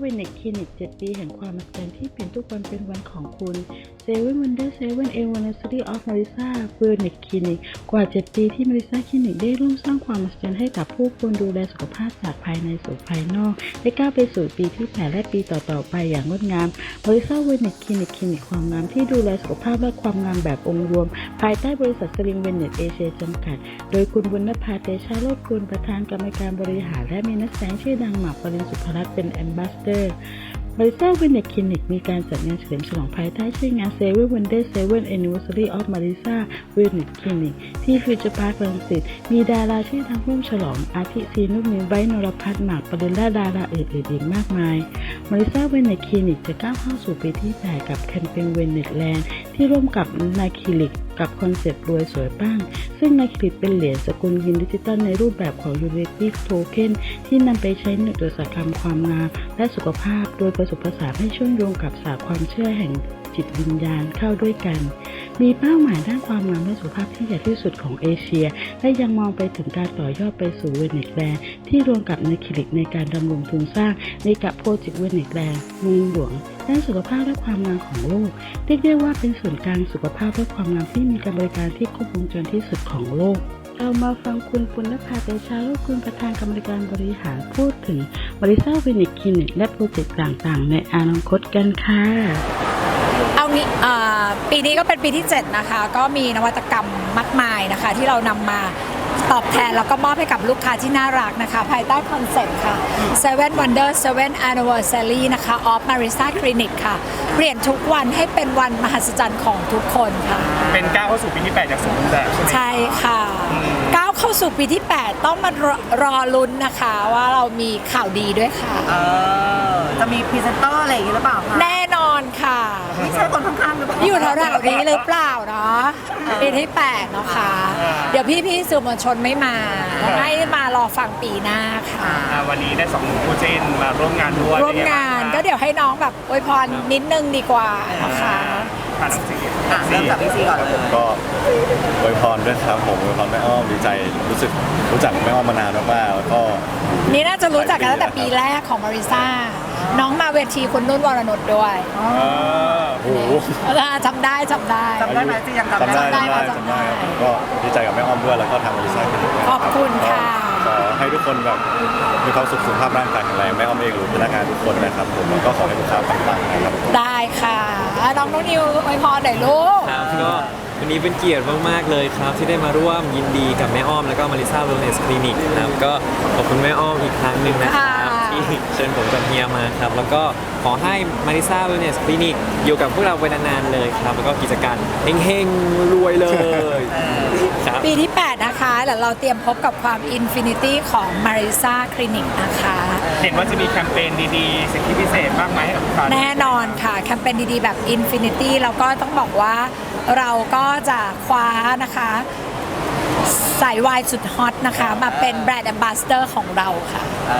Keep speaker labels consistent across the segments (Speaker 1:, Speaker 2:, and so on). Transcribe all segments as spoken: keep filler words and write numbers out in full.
Speaker 1: เวนิกคลินิกเจ็ดปีแห่งความมหัศจรรย์ที่เปลี่ยนทุกวันเป็นวันของคุณเซเว่นวันเดอร์เซเว่นเอวันเนสตี้ออฟมาริซาเวนิกคลินิกกว่าเจ็ดปีที่มาริซาคลินิกได้ร่วมสร้างความมหัศจรรย์ให้กับผู้คนดูแลสุขภาพจากภายในสู่ภายนอกได้ก้าวไปสู่ปีที่แปดและปีต่อๆไปอย่างงดงามมาริซาเวนิกคลินิกคลินิกความงามที่ดูแลสุขภาพและความงามแบบองค์รวมภายใต้บริษัทสลิมเวเนตเอเชียจำกัดโดยคุณบุญนภาเตชะโลดกุลประธานกรรมการบริหารและมีนักแสดงชื่อดังหมากปรินสุภรัตน์เป็นแอมบาสเดอร์มาริซาเวนิกคลินิกมีการจัดงานเฉลิมฉลองภายใต้ชื่องาน Seven Wonders Seven Anniversary of Marisa Wellness Clinic ที่ฟิวเจอร์พาร์ครังสิตมีดาราชื่อดังร่วมฉลองอาทิซีนุชมินไบร์ทนรพัฒน์หมากปรินและดาราอื่นๆอีกมากมายมาริซาเวนิกคลินิกจะก้าวเข้าสู่ปีที่แปดกับแคมเปญเวเนสแลนด์ที่ร่วมกับนาคลินิกกับคอนเซ็ปต์รวยสวยปังซึ่งนาคลินิกเป็นเหรียญสกุลเงินดิจิตอลในรูปแบบของ Unity Token ที่นำไปใช้ในอุตสาหกรรมความงามและสุขภาพโดยผสมผสานให้เชื่อมโยงกับศาสตร์ความเชื่อแห่งจิตวิญญาณเข้าด้วยกันมีเป้าหมายด้านความงามและสุขภาพที่ใหญ่ที่สุดของเอเชียและยังมองไปถึงการต่อยอดไปสู่เวเนสแลนด์ที่รวมกับนาคลินิกในการดำรงทุนสร้างในกับโปรเจกต์เวเนสแลนด์เมืองหลวงด้านสุขภาพและความงามของโลกเรียกได้ว่าเป็นศูนย์กลางสุขภาพและความงามที่มีการบริการที่ครบวงจรที่สุดของโลกเรามาฟังคุณปุณณภาเตชะโลดกุลประธานกรรมการบริหารพูดถึงมาริซาเวนิกคลินิกและโปรเจกต์ต่างๆในอนาคตกันค่ะ
Speaker 2: เอางี้ปีนี้ก็เป็นปีที่เจ็ดนะคะก็มีนวัตกรรมมากมายนะคะที่เรานำมาตอบแทนแล้วก็มอบให้กับลูกค้าที่น่ารักนะคะภายใต้คอนเซ็ปต์ค่ะ Seven Wonders Seven Anniversary นะคะ of Marisa Clinic ค่ะเปลี่ยนทุกวันให้เป็นวันมหัศจรรย์ของทุกคนค่ะ
Speaker 3: เป็นก้าวเข้าสู่ปีที่แปดจากสมบูรณ์แบบใช่ไหม
Speaker 2: ใช่ค่ะก้าวเข้าสู่ปีที่แปดต้องมารอรอลุ้นนะคะว่าเรามีข่าวดีด้วยค่ะ
Speaker 4: เออจะมีพรีเซนเตอร์อะไรอย่างนี้หรือเปล่าคะ
Speaker 2: แน่นอนค่ะ
Speaker 4: ไม่ใช่คนข้างๆหรือเปล่า
Speaker 2: อยู่แถวๆนี้หรือเปล่าเนาะปีที่แปดเนาะค่ะเดี๋ยวพี่ๆสื่อมวลชนไม่มาให้มารอฟังปีหน้าค่ะ
Speaker 3: วันนี้ได้สองหนุ่มคู่จิ้นมาร่วมงานด้วย
Speaker 2: ร่วมงานก็เดี๋ยวให้น้องแบบอวยพรนิดนึงดีกว่านะคะ
Speaker 3: ผ่านน้องซี
Speaker 4: เริ่มจากพี่ซีก่อนเลย
Speaker 5: ผมก็อวยพรด้วยครับผมอวยพรแม่อ้อมดีใจรู้สึกรู้จักแม่อ้อมมานานมากๆแล้วก็
Speaker 2: นี่น่าจะรู้จักกันตั้งแต่ปีแรกของมาริซ่าน้องมาเวทีคุณนุ่นวรนุชด้วย
Speaker 5: โอ้โห
Speaker 2: จำได้จำได้
Speaker 4: จำได้ไหมซียังจำได้
Speaker 5: จำได้จำได้ผมก็ดีใจกับแม่อ้อมด้วยแล้วก็ทางมาริซ่าเป็น
Speaker 2: ขอบคุณค่ะ
Speaker 5: ขอให้ทุกคนแบบมีความสุขสุขภาพร่างกายแข็งแรงแม่อ้อมเองหรือพนักงานทุกคนนะครับผมแล้วก็ขอให้ลูกค้าปังๆนะครับ
Speaker 2: ได้ค่ะน้องน้องนิวอวยพรหน่อยลูก
Speaker 6: ครับก็วันนี้เป็นเกียรติมากๆเลยครับที่ได้มาร่วมยินดีกับแม่อ้อมแล้วก็มาริซาเวลเนสคลินิกครับก็ขอบคุณแม่อ้อมอีกครั้งหนึ่งนะครับที่เชิญผมกับเฮียมาครับแล้วก็ขอให้มาริซาเวลเนสคลินิกอยู่กับพวกเราไปนานๆเลยครับแล้วก็กิจการเฮงๆรวยเลย
Speaker 2: ปีที่แปดนะคะแล้วเราเตรียมพบกับความอินฟินิตี้ของมาริซาคลินิกนะคะ
Speaker 3: เห็นว่าจะมีแคมเปญดีๆสิทธิพิเศษมากมายให้กับลูกค้า
Speaker 2: แน่นอนค่ะแคมเปญดีๆแบบอินฟินิตี้แล้วก็ต้องบอกว่าเราก็จะคว้านะคะสายวายสุดฮอตนะคะมาเป็นแบรนด์แอมบาสเดอร์ของเราค่ะ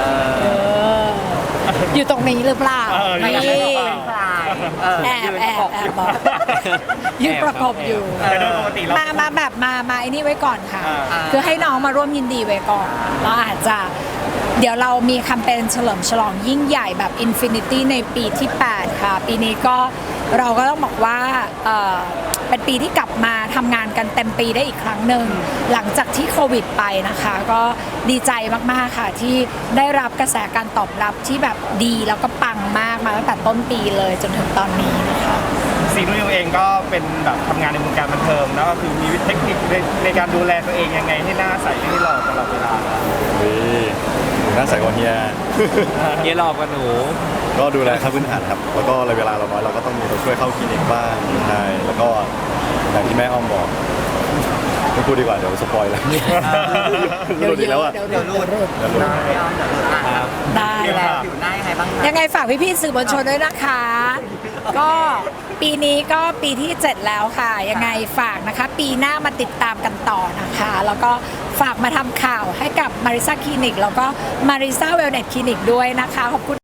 Speaker 2: อยู่ตรงนี้หรือเปล่านี่แอบแอบแอบบอกยืนประกบอยู่มามาแบบมามาไอ้นี่ไว้ก่อนค่ะคือให้น้องมาร่วมยินดีไว้ก่อนแล้วอาจจะเดี๋ยวเรามีแคมเปญเฉลิมฉลองยิ่งใหญ่แบบ Infinity ในปีที่แปดค่ะปีนี้ก็เราก็ต้องบอกว่าเอ่อเป็นปีที่กลับมาทำงานกันเต็มปีได้อีกครั้งหนึ่งหลังจากที่โควิดไปนะคะก็ดีใจมากๆค่ะที่ได้รับกระแสการตอบรับที่แบบดีแล้วก็ปังมากมาตั้งแต่ต้นปีเลยจนถึงตอนนี้นะคะ
Speaker 3: ซีนุ่นเองก็เป็นแบบทำงานในวงการบันเทิงแล้วก็คือมีเทคนิคในในการดูแลตัวเองยังไงให้หน้าใสให้หล่อตลอดเวลา
Speaker 5: หน้าใสกว่าเฮีย
Speaker 6: เฮียหล่อกว่าหนู
Speaker 5: ก็ดูแลขั้นพื้นฐานครับแล้วก็เวลาเราน้อยเราก็ต้องมีตัวช่วยเข้าคลินิกบ้างใช่แล้วก็อย่างที่แม่อ้อมบอกไม่พูดดีกว่าเดี๋ยวสปอยแล้ว
Speaker 2: เดี๋ยวอีกแล้วอ่ะ
Speaker 4: เดี๋ยวรูดได้
Speaker 2: ได้
Speaker 4: แล้วอยู่ได้ยังไงบ้าง
Speaker 2: ยังไงฝากพี่ๆสื่อมวลชนด้วยนะคะก็ปีนี้ก็ปีที่เจ็ดแล้วค่ะยังไงฝากนะคะปีหน้ามาติดตามกันต่อนะคะแล้วก็ฝากมาทำข่าวให้กับมาริซาคลินิกแล้วก็มาริซาเวลเนสคลินิกด้วยนะคะขอบคุณ